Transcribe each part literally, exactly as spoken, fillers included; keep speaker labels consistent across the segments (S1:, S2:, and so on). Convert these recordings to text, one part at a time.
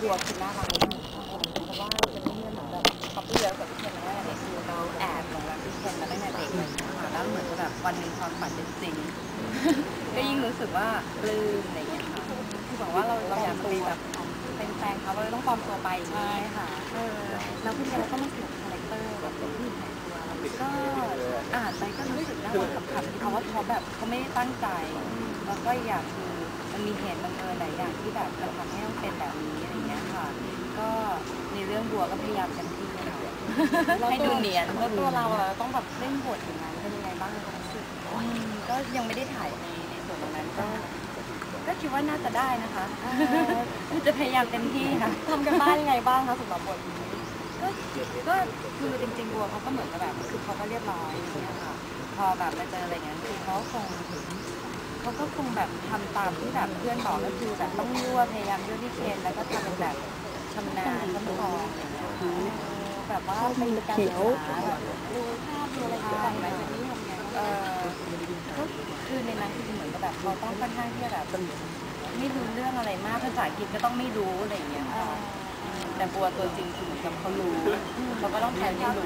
S1: บัวคือน่ารักที่สุดเพราะว่าเป็นเพื่อนเหมือนแบบเขาเพื่อนกับพี่เคนมาตั้งแต่เด็กคือเราแอบหลงรักพี่เคนมาตั้งแต่เด็กเลยค่ะแล้วเหมือนกับแบบวันหนึ่งความฝันเป็นจริงก็ยิ่งรู้สึกว่าปลื้มอะไรอย่างเงี้ยค่ะคือบอกว่าเราเราอยากไปแบบเป็นแฟนเขาเราต้องปลอมตัวไปใช่ค่ะเออแล้วพี่เคนเราก็มาสวมคาแรคเตอร์แบบเป็นผู้หญิงแต่งตัวก็อ่านไปก็รู้สึกน่ารักกับคำที่เขาว่าเขาแบบเขาไม่ได้ตั้งใจแล้วก็อยากคือมันมีเหตุบังเอิญหลายอย่างที่แบบมันทำให้ต้องเป็นแบบนี้อะไรเงี้ยค่ะก็ในเรื่องบัวก็พยายามเต็มที่ค่ะให้ดูเนียนแล้วตัวเราอะต้องแบบเล่นบทอย่างนั้นเป็นยังไงบ้างในความรู้สึกก็ยังไม่ได้ถ่ายในในส่วนตรงนั้นก็ก็คิดว่าน่าจะได้นะคะจะพยายามเต็มที่ค่ะทำกันบ้านยังไงบ้างคะสำหรับบทก็ก็คือจริงๆบัวเขาก็เหมือนกับแบบคือเขาก็เรียบร้อยอย่างเงี้ยค่ะพอแบบมาเจออะไรเงี้ยคือเขาคงเขาก็คงแบบทำตามที่แบบเพื่อนบอกก็คือแบบต้องยั่วพยายามยั่วที่เคนแล้วก็ทำเป็นแบบชำนาญขั้นตอนอย่างเงี้ยแบบว่าเป็นการศึกษาแบบดูภาพดูอะไรต่างๆไหมแบบนี้ทำไงเออก็คือในนั้นคือเหมือนกับแบบเราต้องค่อนข้างที่จะแบบไม่รู้เรื่องอะไรมากภาษาอังกฤษก็ต้องไม่รู้อะไรอย่างเงี้ยค่ะแต่บัวตัวจริงคือเหมือนกับเขารู้เขาก็ต้องแทนให้รู้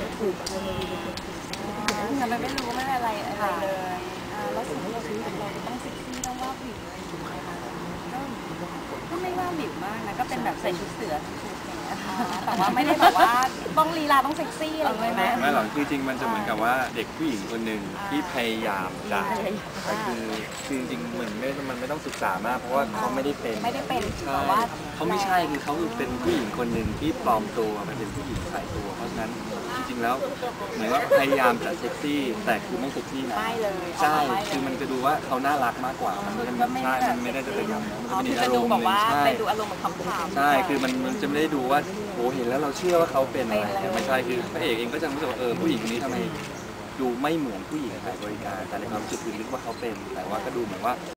S1: แต่มันไม่รู้ไม่อะไรอะไรเลยแล้วสิ่งที่เราซื้อเราต้องเซ็กซี่ต้องว่าผิวเลยก็ก็ไม่ว่าผิวมากนะก็เป็นแบบใส่ชุดเสือชุดอย่างเงี้ยแต่ว่าไม่ได้แบบว่าต้องลีลาต้องเซ็กซี่อะไรไหม
S2: ไม่หรอกคือจริงมันจะเหมือนกับว่าเด็กผู้หญิงคนหนึ่งที่พยายามจะก็คือคือจริงๆเหมือนไม่มันไม่ต้องศึกษามากเพราะว่าเขาไม่ได้เป็น
S1: ไม่ได้เป็น
S2: ใช่เขาไม่ใช่คือเขาเป็นผู้หญิงคนหนึ่งที่ปลอมตัวมาเป็นผู้หญิงใส่ตัวเพราะฉะนั้นจริงๆแล้วเหมือนว่าพยายามจะเซ็กซี่แต่คือไม่เซ็กซี่นะ
S1: ไม่เลย
S2: ใช่คือมันจะดูว่าเขาน่ารักมากกว่ามันไม่ใช่มันไม่ได้จะเป็นอย่างนั้นมันจะเป็นอารมณ์หนึ่งใช่
S1: ดูอารมณ์เหมือนคำถาม
S2: ใช่คือมันมันจะไม่ได้ดูว่าโหเห็นแล้วเราเชื่อว่าเขาเป็นอะไรแต่ไม่ใช่คือพระเอกเองก็จะรู้สึกว่าเออผู้หญิงคนนี้ทำไมดูไม่เหมือนผู้หญิงขายบริการแต่ในความรู้สึกคือนึกว่าเขาเป็นแต่ว่าก็ดูเหมือนว่า